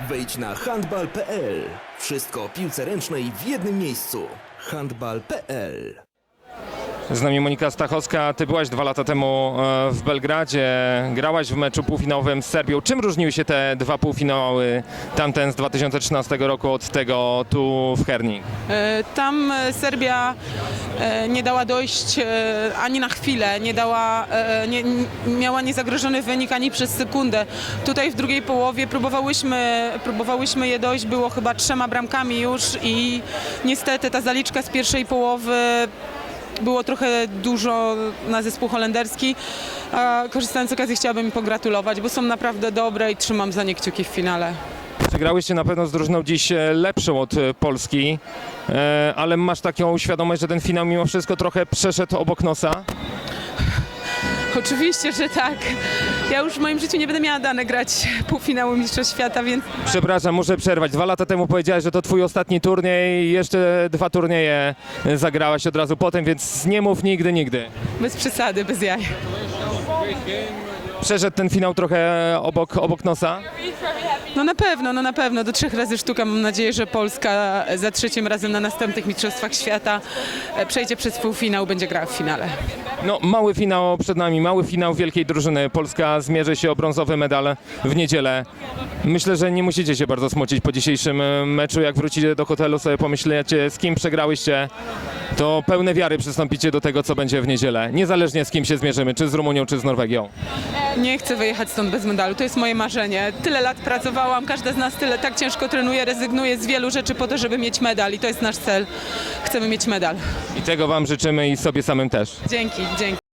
Wejdź na handbal.pl. Wszystko o piłce ręcznej w jednym miejscu. handbal.pl. Z nami Monika Stachowska. Ty byłaś 2 lata temu w Belgradzie, grałaś w meczu półfinałowym z Serbią. Czym różniły się te 2 półfinały, tamten z 2013 roku od tego tu w Herning? Tam Serbia nie dała dojść ani na chwilę, miała niezagrożony wynik ani przez sekundę. Tutaj w drugiej połowie próbowałyśmy je dojść, było chyba 3 bramkami już i niestety ta zaliczka z pierwszej połowy było trochę dużo na zespół holenderski. Korzystając z okazji chciałabym im pogratulować, bo są naprawdę dobre i trzymam za nie kciuki w finale. Przegrałyście na pewno z drużyną dziś lepszą od Polski, ale masz taką świadomość, że ten finał mimo wszystko trochę przeszedł obok nosa? Oczywiście, że tak. Ja już w moim życiu nie będę miała dane grać półfinału Mistrzostw Świata, więc Przepraszam, muszę przerwać. 2 lata temu powiedziałeś, że to twój ostatni turniej, jeszcze 2 turnieje zagrałaś od razu potem, więc nie mów nigdy, nigdy. bez przesady, bez jaj. Przeszedł ten finał trochę obok nosa? No na pewno. Do 3 razy sztuka. Mam nadzieję, że Polska za 3. razem na następnych Mistrzostwach Świata przejdzie przez półfinał, będzie grała w finale. No, mały finał przed nami, mały finał wielkiej drużyny. Polska zmierzy się o brązowy medal w niedzielę. Myślę, że nie musicie się bardzo smucić po dzisiejszym meczu. Jak wrócicie do hotelu, sobie pomyślecie, z kim przegrałyście, to pełne wiary przystąpicie do tego, co będzie w niedzielę. Niezależnie z kim się zmierzymy, czy z Rumunią, czy z Norwegią. Nie chcę wyjechać stąd bez medalu. To jest moje marzenie. Tyle lat pracowałam, każda z nas tak ciężko trenuje, rezygnuje z wielu rzeczy po to, żeby mieć medal i to jest nasz cel. Chcemy mieć medal. I tego wam życzymy i sobie samym też. Dzięki.